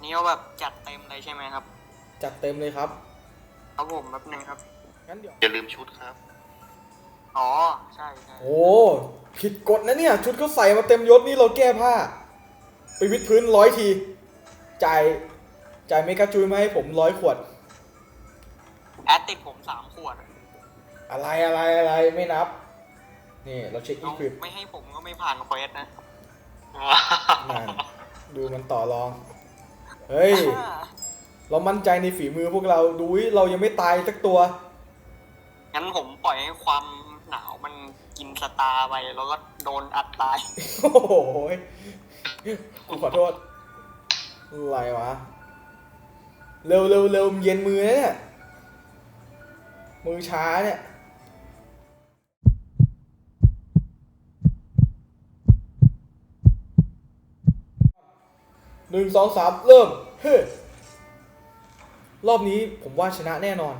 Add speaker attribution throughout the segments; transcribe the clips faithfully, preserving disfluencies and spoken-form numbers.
Speaker 1: นี่ก็แบบจัดเต็มเลยใช่ไหมครับ
Speaker 2: จัดเต็มเลยครับ
Speaker 1: ครับผมแป๊บนึงครับ
Speaker 2: งั้นเดี๋ยว
Speaker 3: อย่าลืมชุดครับ
Speaker 1: อ๋อใช่ใช่
Speaker 2: โอ้ผิดกฎนะเนี่ยชุดเขาใส่มาเต็มยศนี่เราแก้ผ้าไปวิดพื้นร้อยทีจ่ายจ่ายเมกาจุยมาให้ผมร้อยขวด
Speaker 1: แอดติดผมสามขวด
Speaker 2: อะไรอะไรอะไรไม่นับนี่เราเช็คอี
Speaker 1: เอา
Speaker 2: ควิป
Speaker 1: ไม่ให้ผมก็ไม่ผ่านเควสนะ
Speaker 2: นั่นดูมันต่อรองเฮ้ยเรามั่นใจในฝีมือพวกเราดูเรายังไม่ตายสักตัว
Speaker 1: งั้นผมปล่อยให้ความหนาวมันกินสตาร์ไปแล้วก็โดนอัดตาย
Speaker 2: โอ้โหกูขอโทษอะไรวะเร็วเร็วเร็วเย็นมือนะเนี่ยมือช้าเนี่ยหนึ่งสองสามเริ่มเฮ้ยรอบนี้ผมว่าชนะแน่นอน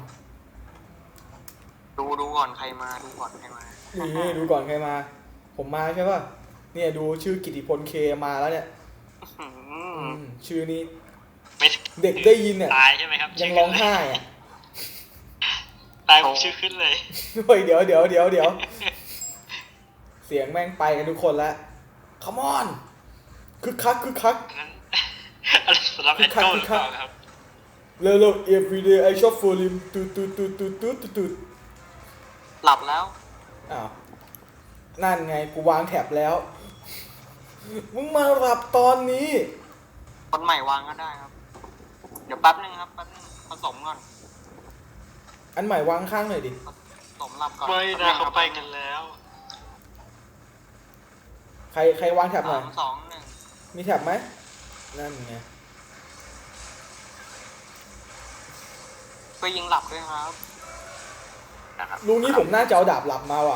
Speaker 1: ดูดูก่อนใครมาดูก่อนใครมา
Speaker 2: นี่ดูก่อนใครมา ผมมาใช่ป่ะเนี่ยดูชื่อกิติพลเคมาแล้วเนี่ย
Speaker 1: อืม
Speaker 2: ชื่อนี้
Speaker 3: ไม่
Speaker 2: เด็กได้ยินเนี่ย
Speaker 3: ตายใช่ไหมครับ
Speaker 2: ยังร้องไห้อะ
Speaker 3: ตายผมชื่อขึ้นเลย
Speaker 2: เฮ้ยเดี๋ยวเดี๋ยวเดี๋ยวเดี๋ยวเสียงแม่งไปกันทุกคนแล้ว come on คึกคักคึกคัก
Speaker 3: นั้นอะไรสำหรับแอนโก้หรือเปล่าครับ
Speaker 2: เร็วเร็ว everyday I shop for him ตูดตูดตูดตูดตูดตูด
Speaker 1: หลับแล้ว
Speaker 2: อ้าวนั่นไงกูวางแถบแล้ว มึงมาหลับตอนนี้
Speaker 1: คนใหม่วางก็ได้ครับ เดี๋ยวแป๊บนึงครับแป๊บนึงผสมก่อน
Speaker 2: อันใหม่วางข้างหน่อยดิ
Speaker 1: ผสมหลับก่อน
Speaker 3: ไม่นะเขาไปกันแล้ว
Speaker 2: ใครใครวางแถบหน่
Speaker 1: สา
Speaker 2: อย
Speaker 1: มสองหนึ่ง
Speaker 2: มีแถบไหมนั่นไง
Speaker 1: ไปยิงหลับด้วยครับ
Speaker 3: นะครับ
Speaker 2: ลุงนี้ผมน่าจะเอาดาบหลับมาว่ะ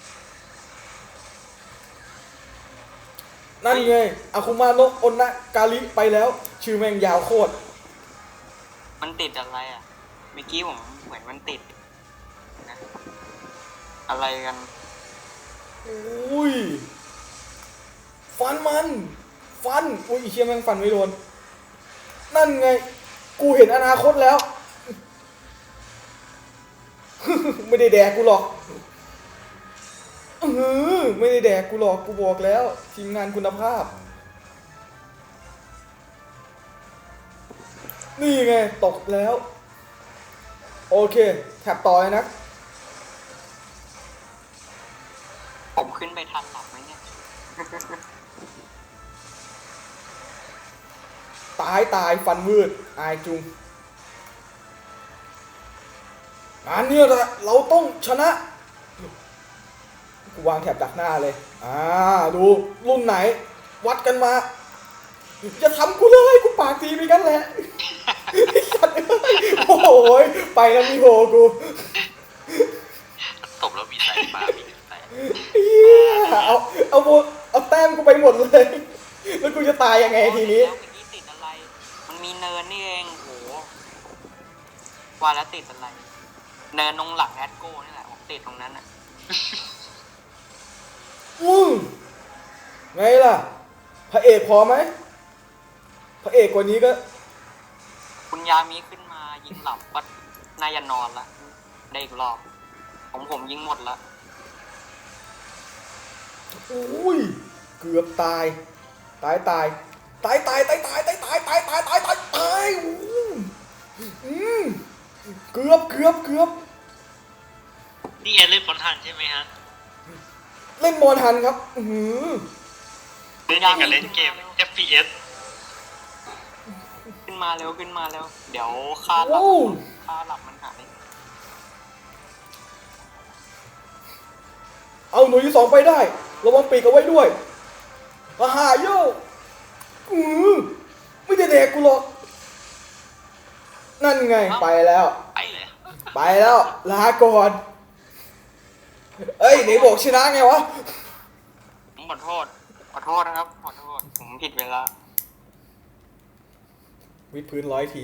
Speaker 2: นั่นไงอาคุมาโนะอนนะกาลิไปแล้ว ชื่อแม่งยาวโคตร
Speaker 1: มันติดอะไรอ่ะเมื่อกี้ผมเหมือนมันติดนะอะไรกัน
Speaker 2: อุ้ย ฟันมัน ฟัน อุ้ยไอ้เชี่ยแม่งฟันไม่โดน นั่นไง กูเห็นอนาคตแล้ว ไม่ได้แดกกูหรอกเออไม่ได้แดกกูหรอกกูบอกแล้วทีมงานคุณภาพ นี่ไงตกแล้ว โอเคแถบต่อเลยนะ
Speaker 1: ผมขึ้นไปทันหลับไหมเนี่ย
Speaker 2: ตายตายฟันวืดอายจุงงานเนี้ยแหละเราต้องชนะกูวางแถบดักหน้าเลยอ่าดูรุ่นไหน วัดกันมาอย่าทำกูเลยกูปากดีไปกันแหละโอ้โหไปแล้วมีโหกู
Speaker 3: ตบแล้วมีสายฟ้ามีสาย
Speaker 2: เฮียเอาเอาโบเอาแต้มกูไปหมดเลยแล้วกูจะตายยังไงทีนี้
Speaker 1: แล้วเมื่อกี้ติดอะไร มันมีเนินนี่เองโหว่าแล้วติดอะไร เนินตรงหลังแอดโก้นี่แหละผมติดตรงนั้นอ่ะ
Speaker 2: อืมไงล่ะพระเอกพอไหมพระเอกกว่านี้ก็
Speaker 1: คุณยามีขึ้นมายิงหลับก็น่าจะนอนละได้อีกรอบผมผมยิงหมดละ
Speaker 2: อุ้ยเกือบตายตายตายตายตายตายตายตายตายตายตายตายตายตายอืมเกือบเกือบเกือบ
Speaker 3: นี่แอนเล่นบอลทันใช่ไหมฮะ
Speaker 2: เล่นบอลทันครับอือ
Speaker 3: เล่นอย่างกับเล่นเกม เอฟ พี เอส
Speaker 1: ขึ้นมาเร็วขึ้นมาเร็วเดี๋ยวค่าหลับ
Speaker 2: โอ้
Speaker 1: ค่าหลับมันหาย
Speaker 2: เอาหน่วยที่สองไปได้ระวังปีกเอาไว้ด้วยอาหาโยอือไม่ได้แดกกูหรอกนั่นไงไปแล้ว
Speaker 3: ไปเลย
Speaker 2: ไปแล้วลาก่อนเอ้ยไหนบอกชนะไงวะ
Speaker 1: ผมขอโทษขอโทษนะครับขอโทษผมผิดเวลา
Speaker 2: วิดพื้นร้อยที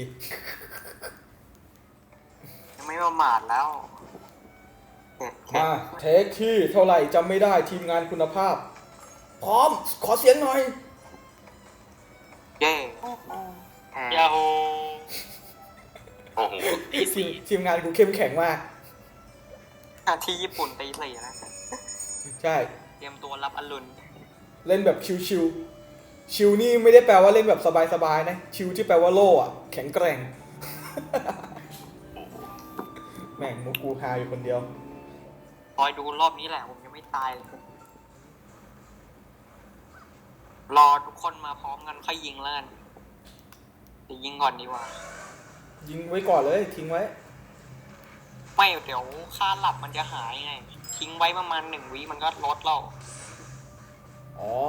Speaker 1: ยังไม่ประมาทแล้วเจ็ดเจ็ด
Speaker 2: มาเทคที่เท่าไหร่จำไม่ได้ทีมงานคุณภาพ พร้อมขอเสียงหน่อย
Speaker 1: เย้
Speaker 3: เหตี
Speaker 2: ที
Speaker 3: สี่
Speaker 2: มทีมงานกูเข้มแข็งมาก
Speaker 1: อ่ะที่ญี่ปุ่นตีสี่นะ
Speaker 2: ใช่
Speaker 1: เตรียมตัวรับอรุณ
Speaker 2: เล่นแบบชิวๆชิวนี่ไม่ได้แปลว่าเล่นแบบสบายๆนะชิวที่แปลว่าโล่อะแข็งแกร่ง แม่งมุกกูฮาอยู่คนเดียว
Speaker 1: คอยดูรอบนี้แหละผมยังไม่ตายเลยรอทุกคนมาพร้อมกันค่อยยิงแล้วกันเดี๋ยวยิงก่อนดีกว่า
Speaker 2: ยิงไว้ก่อนเลยทิ้งไว้
Speaker 1: ไม่เดี๋ยวค่าหลับมันจะหายไง ทิ้งไว้ประมาณหนึ่งวิมันก็ลดเรา
Speaker 2: อ๋อ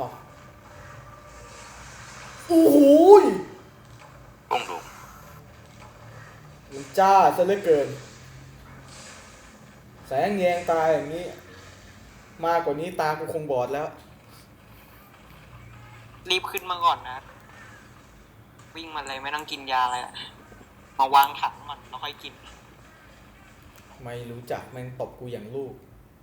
Speaker 2: โอ้โหย
Speaker 3: ต้องดู
Speaker 2: มันจ้าซะเหลือเกิน แสงแยงตาอย่างนี้ มากกว่านี้ตากูคงบอดแล้ว
Speaker 1: รีบขึ้นมาก่อนนะ วิ่งมาเลยไม่ต้องกินยาอะไรอะมาวางถังก่อนแล้วค่อยกิน
Speaker 2: ไม่รู้จักแม่งตบกูอย่างลูก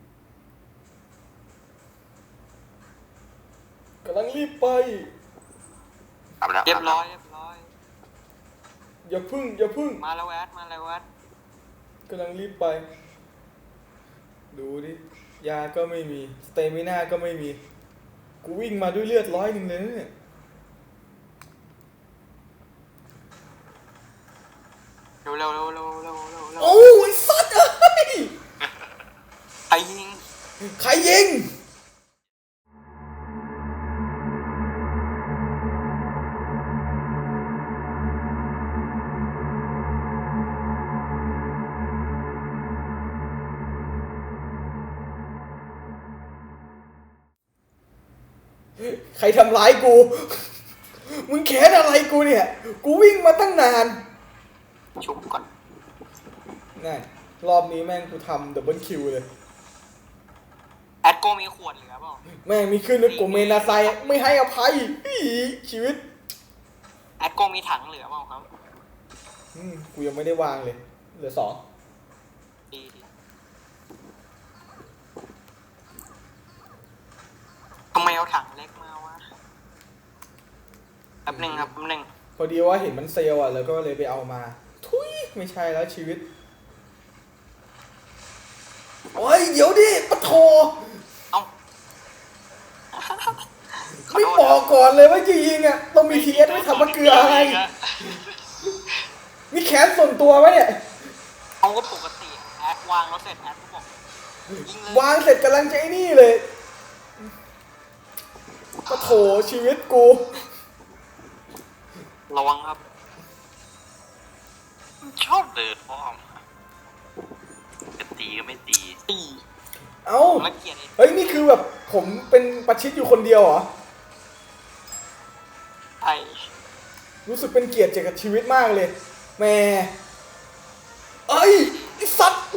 Speaker 2: กำลังรีบไป
Speaker 3: อาบแล้ว
Speaker 1: เรียบร้อยเรียบร้อย
Speaker 2: อย่าพึ่ง อย่าพึ่ง
Speaker 1: มาแล้วแวดมาแล้วแวด
Speaker 2: กำลังรีบไป ดูดิ ยาก็ไม่มี สเตมิน่าก็ไม่มี กูวิ่งมาด้วยเลือดร้อยหนึ่งเลยนะเนี่ย
Speaker 1: เร็วเร็วเร็วเร็วเร็วเร็วเร็ว
Speaker 2: โอ้ยสัตว์เอ้ย
Speaker 1: ใครยิง
Speaker 2: ใครยิง ใครทำร้ายกู มึงแค้นอะไรกูเนี่ย กูวิ่งมาตั้งนาน
Speaker 1: ชุบก่อน
Speaker 2: นั่นรอบนี้แม่งกูทำดับเบิลคิวเลย
Speaker 1: แอดโกมีขวดเหลือเปล่า
Speaker 2: แม่งมีขึ้นด้วยกูเมนาไซไม่ให้อภัยอีชีวิต
Speaker 1: แอดโกมีถังเหลือเปล่าครับ
Speaker 2: อืมกูยังไม่ได้วางเลย เหลือสอง
Speaker 1: ดีดีทำไมเอาถังเล็กมาวะแป๊บหนึ่งครับแป๊บหนึ่ง
Speaker 2: พอดีว่าเห็นมันเซลล์อ่ะ แล้วก็เลยไปเอามา ทุยไม่ใช่แล้วชีวิต โอ้ย เดี๋ยวดิปะโท
Speaker 1: เอ้า
Speaker 2: ไม่บอกก่อนเลยว่าจะยิงอ่ะ ต้องมีทีเอสไม่ทำมะเกลืออะไร มีแขนส่วนตัวไหมเนี่ย
Speaker 1: เอาก็ปกติแอดวางแล้วเสร็จแอดก็บอกยิงเลยว
Speaker 2: างเสร็จกำลังจะไอ้นี่เลยปะโถชีวิตกู
Speaker 1: ระวังครับ
Speaker 3: ชอบเดินอ้อมจะตีก็ไม่ตี
Speaker 1: ตี
Speaker 2: เอ้า
Speaker 1: ผมละเกียดไอ้
Speaker 2: เฮ้ย นี่คือแบบผมเป็นประชิดอยู่คนเดียวเหรอ
Speaker 1: ไอ้
Speaker 2: รู้สึกเป็นเกียรติกับชีวิตมากเลยแหม่เอ้ยไอ้สัตว์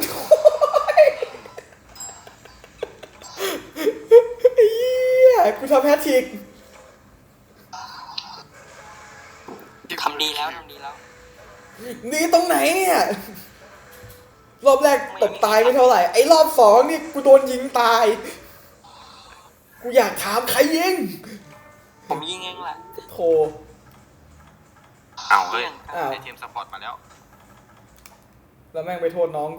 Speaker 2: ไอ้เหี้ยกูทำแฮตทริก
Speaker 1: ทำดีแล้วทำดีแล้ว
Speaker 2: ดีตรงไหนเนี่ย รอบแรกตกตายไม่เท่าไหร่ ไอ้รอบสองนี่กูโดนยิงตาย กูอยากถามใครยิง
Speaker 1: ผมยิงเองแหละ
Speaker 2: โธ
Speaker 3: เอาเฮ้ย
Speaker 2: อ้าว
Speaker 3: ได้ทีมสปอร์ตมาแล้ว
Speaker 2: แล้วแม่งไปโทษน้องกู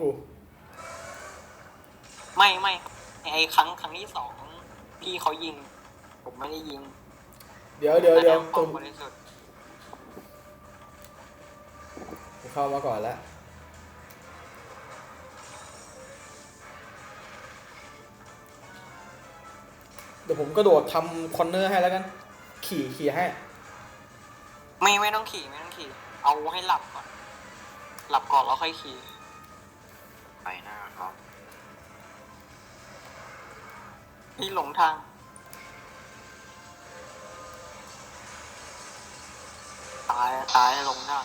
Speaker 1: ไม่ไม่ไอ้ครั้งครั้งที่สองพี่เขายิง ผมไม่ได้ยิง
Speaker 2: เดี๋ยวเดี๋ยวเดี๋ยว
Speaker 1: ต
Speaker 2: ต
Speaker 1: ร
Speaker 2: รง ง
Speaker 1: บริสุทธิ์
Speaker 2: กูเข้ามาก่อนแล้ว เดี๋ยวผมกระโดดทำคอนเนอร์ให้แล้วกัน ขี่ขี่ให้
Speaker 1: ไม่ไม่ต้องขี่ไม่ต้องขี่ เอาให้หลับก่อน หลับก่อนแล้วค่อยขี่
Speaker 3: ไปหน้าครับ
Speaker 1: พี่หลงทาง ตายตายหลงทาง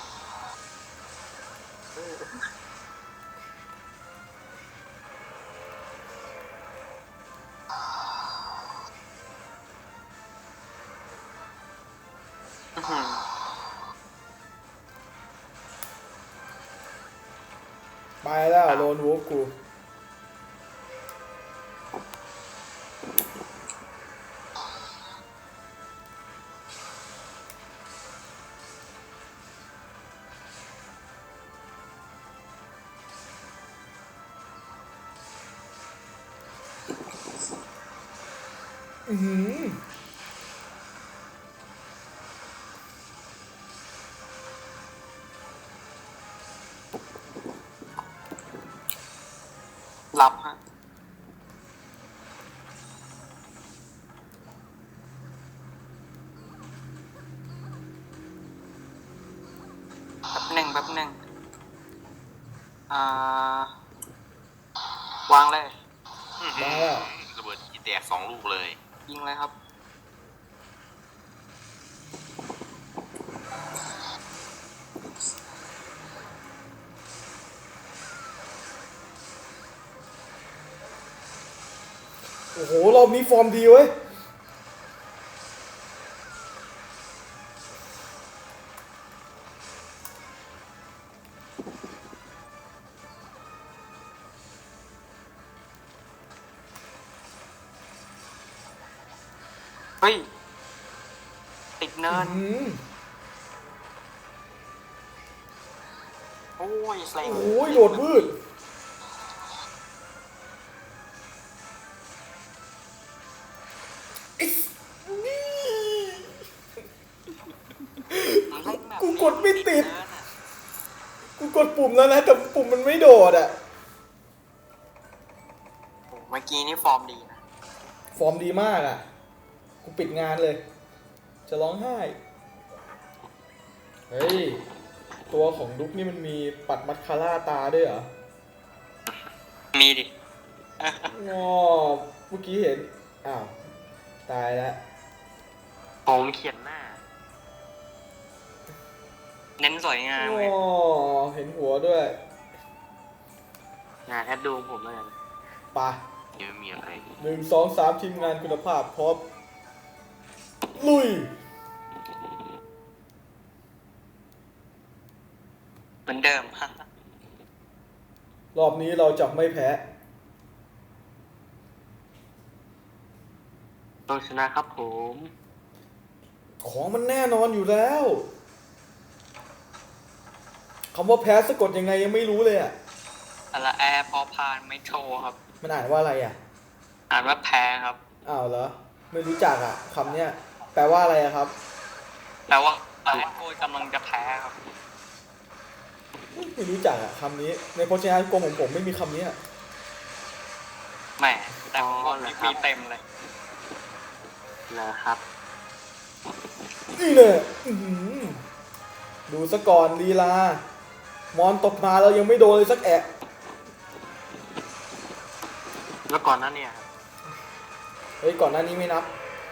Speaker 1: อื้อหือ
Speaker 2: ไปแล้วโลนวูฟกูอื้อหือ
Speaker 1: หลับฮะแป๊บหนึ่งแป๊บหนึ่งอ่าวางเลย
Speaker 3: อื้อหื
Speaker 2: มา
Speaker 3: อ
Speaker 2: แล้ว
Speaker 3: ระเบิดอีแตกสองลูกเลย
Speaker 1: ยิงเลยครับ
Speaker 2: โอ้โหรอบนี้ฟอร์มดีเว้ย
Speaker 1: เฮ้ย ติดเนิน
Speaker 2: อืม
Speaker 1: โอ้ยแสลง
Speaker 2: โอ้ยโดดวืดอิ๊สนี่
Speaker 1: มันเล่นแบบ
Speaker 2: กูกดไม่ติด
Speaker 1: เนินอะ
Speaker 2: กูกดปุ่มแล้วนะ แต่ปุ่มมันไม่โดดอ่ะ
Speaker 1: โอ้เมื่อกี้นี่ฟอร์มดีนะ
Speaker 2: ฟอร์มดีมากอ่ะ กูปิดงานเลย จะร้องไห้ เฮ้ย ตัวของดุ๊กนี่มันมีปัดมัดคาร่าตาด้วยเหรอ
Speaker 1: มีดิ
Speaker 2: งอเมื่อกี้เห็น อ้าว ตายแล้ว
Speaker 3: ผมเขียนหน้า
Speaker 1: เน้นสวยงาม
Speaker 2: อ๋
Speaker 1: เลย
Speaker 2: อเห็นหัวด้วย
Speaker 3: งานแอดดูผมแล้วกัน
Speaker 2: ไปะ
Speaker 3: ยังไม่มีอะไร
Speaker 2: หนึ่งสองสามทีมงานคุณภาพพร้อมลุย
Speaker 1: เหมือนเดิม
Speaker 2: รอบนี้เราจะไม่แพ้
Speaker 3: ต้องชนะครับผม
Speaker 2: ของมันแน่นอนอยู่แล้วคำว่าแพ้สะกดยังไงยังไม่รู้เลยอ่ะ
Speaker 1: อะไรแอร์พอพานไม่โชว์ครับ
Speaker 2: มันอ่านว่าอะไรอ่ะ
Speaker 1: อ่านว่าแพ้ครับ
Speaker 2: อ้าวเหรอ ไม่รู้จักอ่ะคำเนี้ยแปลว่าอะไรอะครับ
Speaker 1: แปลว่าแอดโกยกำลังจะแพ้ครับ
Speaker 2: ไม่รู้จักอ่ะคำนี้ ในพจนานุกรมของผมไม่มีคำนี้อะ
Speaker 1: แหม แต่ของผมนี่มีเต็มเลย
Speaker 3: นะครับ
Speaker 2: นี่เนี่ยอื้อหือดูซะก่อนลีลา มอนตกมาแล้วยังไม่โดนเลยสักแอะ
Speaker 3: แล้วก่อนหนั้นเนี่ยครับ
Speaker 2: เฮ้ยก่อนหน้านี้ไม่นับ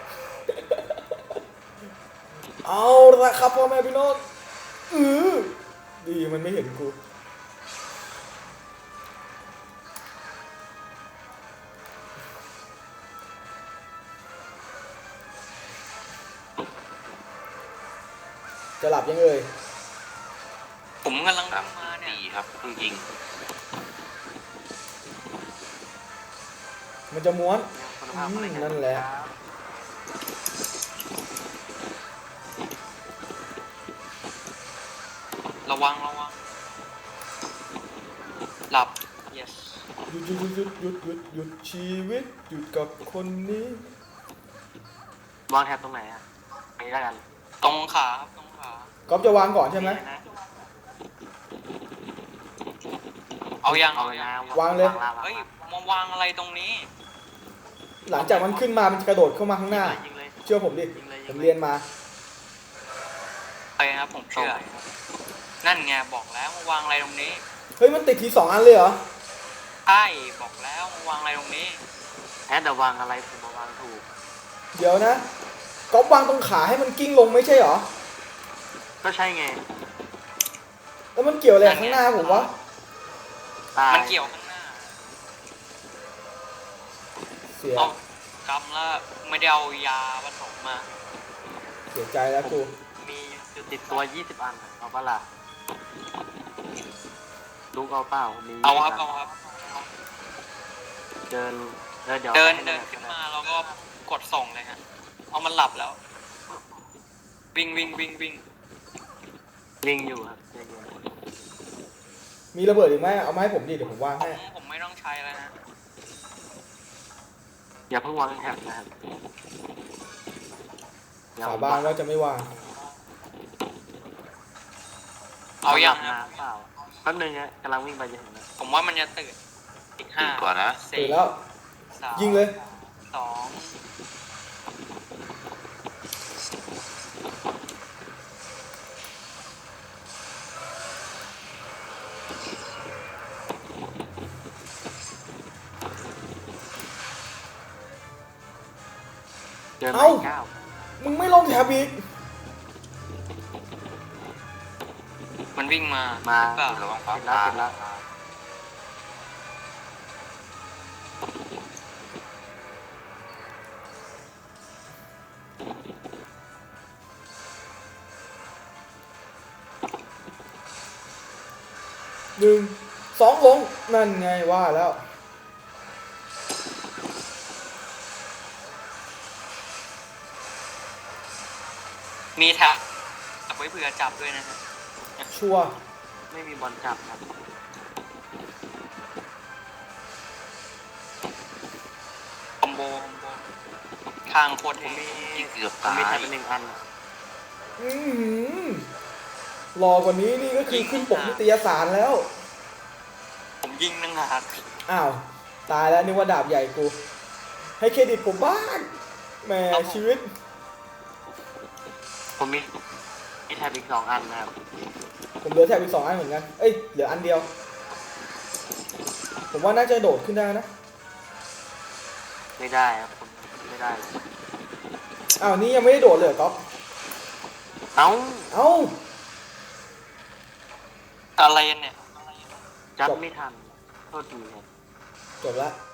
Speaker 2: เอาละครับพ่อแม่พี่น้องอือดีมันไม่เห็นกู จะหลับยังเอ่ย
Speaker 1: ผมกำลัง
Speaker 3: ครับ
Speaker 1: ทำมาเนี่ย
Speaker 3: ดีครับเพิ่งยิง
Speaker 2: มันจะม้วน
Speaker 3: คุณภาพอะไร
Speaker 2: อืม
Speaker 3: กั
Speaker 2: นั่นแหละ
Speaker 3: ครับ
Speaker 1: ระวังระวัง หลับ yes
Speaker 2: หยุดหยุดหยุดหยุดหยุดหยุดชีวิตหยุดกับคนนี้
Speaker 3: วางแท็บตรงไหนอ่ะไปแล้วกัน
Speaker 1: ตรงขาครับตรงขา
Speaker 2: ก๊อฟจะวางก่อนใช่ไหม
Speaker 3: นี่นะ
Speaker 1: เอายัง
Speaker 3: เอา
Speaker 1: เอา
Speaker 3: เลย
Speaker 1: ยั
Speaker 3: นะ
Speaker 1: ง
Speaker 2: วางเลย
Speaker 1: เฮ้ย มาวางอะไรตรงนี้
Speaker 2: หลังจากมันขึ้นมามันจะกระโดดเข้ามาข้างหน้า
Speaker 3: ยิงเลย
Speaker 2: เชื่อผมดิ
Speaker 3: ยิงเลยยิงเลย
Speaker 2: ผมเรียนมา
Speaker 1: ไปครับผมเชื่อ นั่นไงบอกแล้วมาวางอะไรตรงนี้
Speaker 2: เฮ้ยมันติดทีสองอันเลยเหรอ
Speaker 1: ใช่บอกแล้วมาวางอะไรตรงนี้
Speaker 3: แอดแต่วางอะไรผมมาวางถูก
Speaker 2: เดี๋ยวนะก๊อฟวางตรงขาให้มันกิ้งลงไม่ใช่เหรอ
Speaker 3: ก็ใช่ไง
Speaker 2: แล้วมันเกี่ยวอะไรกับข้างหน้าผมวะ
Speaker 3: ตาย
Speaker 1: มันเกี่ยวข้างหน้า
Speaker 2: เสีย
Speaker 1: เอากำแล้วไม่ได้เอายาผสมมา
Speaker 2: เสียใจแล้วกู
Speaker 3: มีอยู่ติดตัวยี่สิบอันเอาปะล่ะลูกเอาเปล่ามี
Speaker 1: เอาครับ
Speaker 3: ยี่
Speaker 1: เอา
Speaker 3: สิ
Speaker 1: ครับ
Speaker 3: เดินเดินเดี๋ยว
Speaker 1: เดิน
Speaker 3: ให้
Speaker 1: เดินขึ้นมาแล้วก็กดส่งเลยฮะ เอามันหลับแล้ว วิ่งวิ่งวิ่งวิ่ง
Speaker 3: ลิงอยู่ครับใจเย็น
Speaker 2: มีระเบิดอีกไหมเอามาให้ผมดิเดี๋ยวผมวาง
Speaker 1: ผม
Speaker 2: ให้
Speaker 1: ผมไม่ต้องใช้แล้วนะ
Speaker 4: อย่าเพิ่งวางแท็บนะครับ
Speaker 2: สาบานว่าจะไม่วาง
Speaker 1: เอาอย่าง
Speaker 4: นะ
Speaker 1: นะ
Speaker 4: เปล่าแป๊บนึงนะกำลังวิ่งไปจะถึงแล้ว
Speaker 1: ผมว่ามันจะตื่นอีกห้า
Speaker 5: ตื่นก่อนนะ
Speaker 2: ตื่
Speaker 1: สี่
Speaker 2: นแล้ว
Speaker 1: สาม
Speaker 2: ยิงเลย
Speaker 1: สอง
Speaker 4: เจอไหม
Speaker 2: เอ้า
Speaker 4: เก้า
Speaker 2: มึงไม่ลงแถบอีก
Speaker 1: มันวิ่งมา
Speaker 4: มา
Speaker 1: เปล่า
Speaker 5: ระวังฟ้า
Speaker 4: เสร็จแล้ว
Speaker 5: ผ่า
Speaker 4: เสร็จแล้ว
Speaker 2: หนึ่งสองลง นั่นไงว่าแล้ว
Speaker 1: มีแท็บไว้เผื่อจับด้วยนะฮะ
Speaker 2: ชัวร์
Speaker 4: ไม่มีบอลจับครับ
Speaker 1: คอมโบคอมโบข้างโคตรเท่
Speaker 5: ที่เกือบ
Speaker 4: ผม
Speaker 5: ตา
Speaker 4: มีแท็
Speaker 5: ย
Speaker 4: บเป็นหนึ่งอัน
Speaker 2: อื้อหือรอกว่านี้นี่ก็คือขึ้นปกนิตยสารแล้ว
Speaker 1: ผมยิงนึงหาก
Speaker 2: อ้าว ตายแล้วนึกว่าดาบใหญ่กู ให้เครดิตผมบ้างแหมชีวิต
Speaker 4: ผมมีมีแท็บอีกสองอันนะครับ
Speaker 2: ผมเหลือแถบอีกสองอันเหมือนกัน เอ้ย เหลืออันเดียว ผมว่าน่าจะโดดขึ้นได้นะ
Speaker 4: ไม่ได้ครับผมไม่ได้
Speaker 2: อ้าวนี่ยังไม่ได้โดดเลยเหรอก๊อฟ
Speaker 4: เอ้า
Speaker 2: เอ้า
Speaker 1: อะไรเนี่ย
Speaker 4: จับไม่ทันโทษทีครับ
Speaker 2: จบละ